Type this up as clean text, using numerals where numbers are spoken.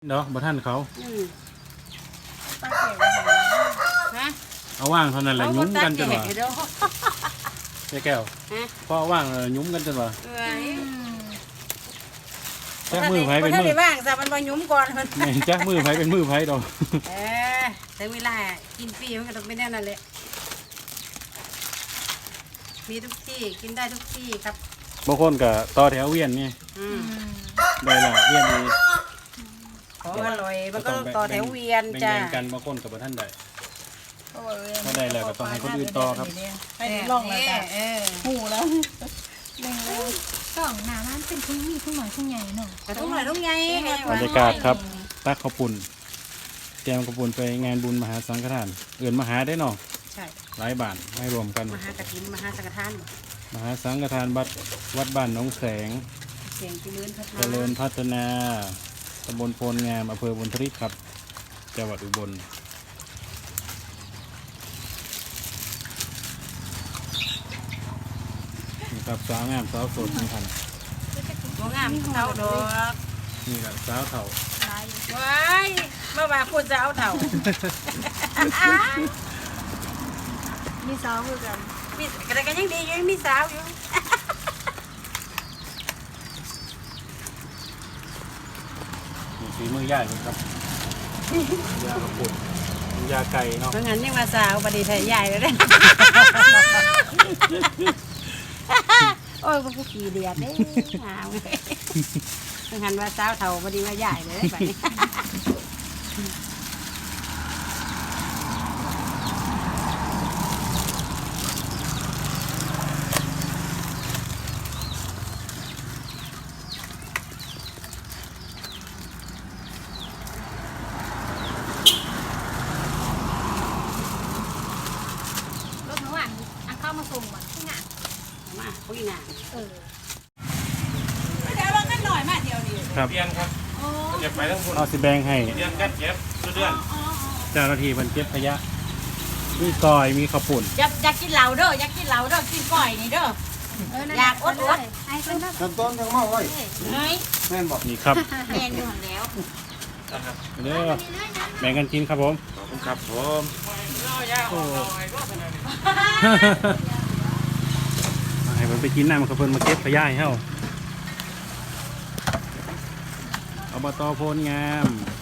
เนาะบ่ท่านเขาป้าแก่ฮะเอาว่างเท่านั้นแหละยุ้มกันจนว่าแก้วพอว่างยุ้มกันจนว่าแจ้มือไผเป็นมือว่างซะมันบ่ยุ้มก่อนมันแจ้มือไผเป็นมือไผดอกแต่เวลากินฟรีมันก็ต้องเป็นแน่นั่นแหละมีทุกที่กินได้ทุกที่ครับบางคนก็ต่อแถวเวียนนี่ได้ละเวียนนี่ของอร่อยมันก็ต่อแถวเวียนจ้าแบ่งกันบางคนกับบ่ท่านได้ถ้าได้แล้วก็ต้องให้คนอื่นต่อครับให้ลองเลยจ้ะหูแล้วกล่องหนามันเป็นทุ่งมีทุ่งหน่อยทุ่งใหญ่เนาะทุ่งหน่อยทุ่งใหญ่บรรยากาศครับตักข้าวปุ้นแจมข้าวปุ้นไปงานบุญมหาสังฆทานเอื่นมหาได้เนาะใช่หลายบาทให้รวมกันมหากฐินมหาสังฆทานมหาสังฆทานวัดบ้านหนองแสงเสียงเจริญพัฒนาตำบลโพนงามอำเภอบุญทริกครับจังหวัดอุบลนี่ครับสาวงามสาวโสดนี่ทันสาวงามเท่าดอกนี่ครับสาวเถ่าว้ายเมื่อวานพูดสาวเถ่ามีสาวคือกันมีแต่ก็ยังดียังมีสาวอยู่ฝีมือย่าเลยครับยากระปุกยาไก่เนาะเพราะงั้นยังมาสาวปฏิเสธใหญ่เลยนะโอ้ยพวกขี้เดียดเด้หาวเพราะงั้นว่าสาวเท่าปฏิว่าใหญ่เลยแบบนี้มาส่งมันที่งานมาคุยงานเดี๋ยวเรากันหน่อยมาเดียวนี้ครับเรียนครับเก็บไปทั้งหมดเอาสิแบงให้เรียนกันเก็บเดือนเจ้าหน้าที่มันเก็บขยะมีซอยมีข้าวปุ้นอยากกินเหล้าเด้ออยากกินเหล้าเด้อกินก้อยนี่เด้ออยากอดไอ้คนนั้นต้นทั้งเมาไว้แม่นบอกนี่ครับแม่นอยู่แล้วเด้อแบ่งกันกินครับผมขอบคุณครับผมให้มันไปกินน้ำกับเพิ่นมาเก็บขยะให้เฮาอบตโพนงาม